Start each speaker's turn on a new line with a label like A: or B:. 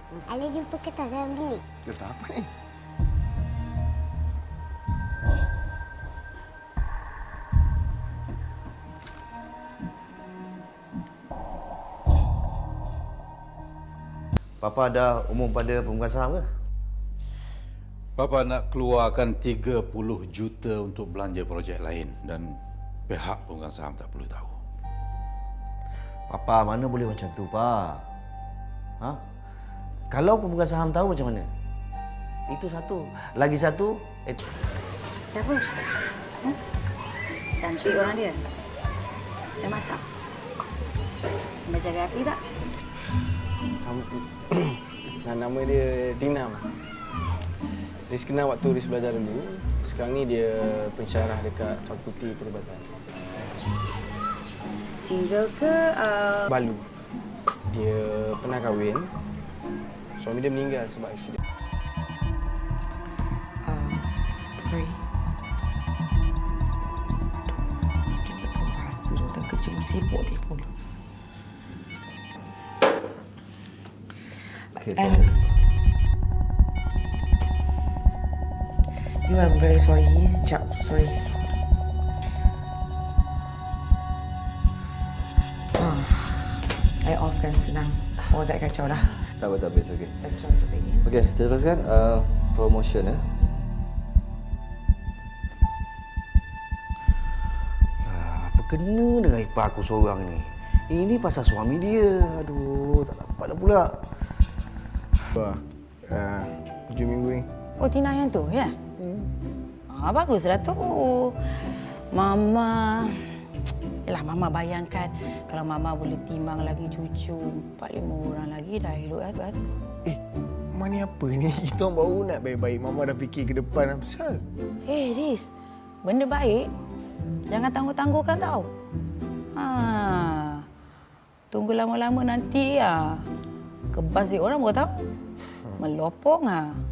A: Ali jumpa kertas dalam bilik.
B: Kertas apa ni? Papa ada umum pada pemegang saham ke?
C: Bapa nak keluarkan 30 juta untuk belanja projek lain dan pihak pemegang saham tak perlu tahu.
B: Papa, mana boleh macam tu, Pak? Ha? Kalau pemegang saham tahu macam mana? Itu satu. Lagi satu,
D: Siapa? Cantik orang dia. Dah masak? Dah jaga hati tak?
E: Nama dia Tina. Ris kenal waktu Ris belajar dulu. Sekarang ni dia pensyarah dekat Fakulti Perubatan.
D: Single ke?
E: Balu. Dia pernah kahwin. Suami dia meninggal sebab aksiden.
F: Sorry. Kita kau rasa tentang kerja sibuk telefon.
B: okay,
F: And I'm very sorry. Jap, sorry. I off kan senang. Oh, tak kacau dah.
G: Tak apa, it's okay.
F: Kacau je lagi.
G: Okey, teruskan promotion ya.
B: apa kena dengan ipar aku seorang ni? Ini pasal suami dia. Aduh, tak dapat dah pula.
E: Wah, 7 minggu ni.
D: Oh, Tina yang tu, ya? Baguslah tu. Mama... Yalah, Mama bayangkan kalau Mama boleh timbang lagi cucu 4-5 orang lagi dah hidup dah tu.
E: Mama ni apa ni? Kita orang baru nak baik-baik. Mama dah fikir ke depan apa pasal?
D: Riz, benda baik jangan tangguh-tangguhkan tau. Tunggu lama-lama nanti kebas dia orang baru tahu. Melopong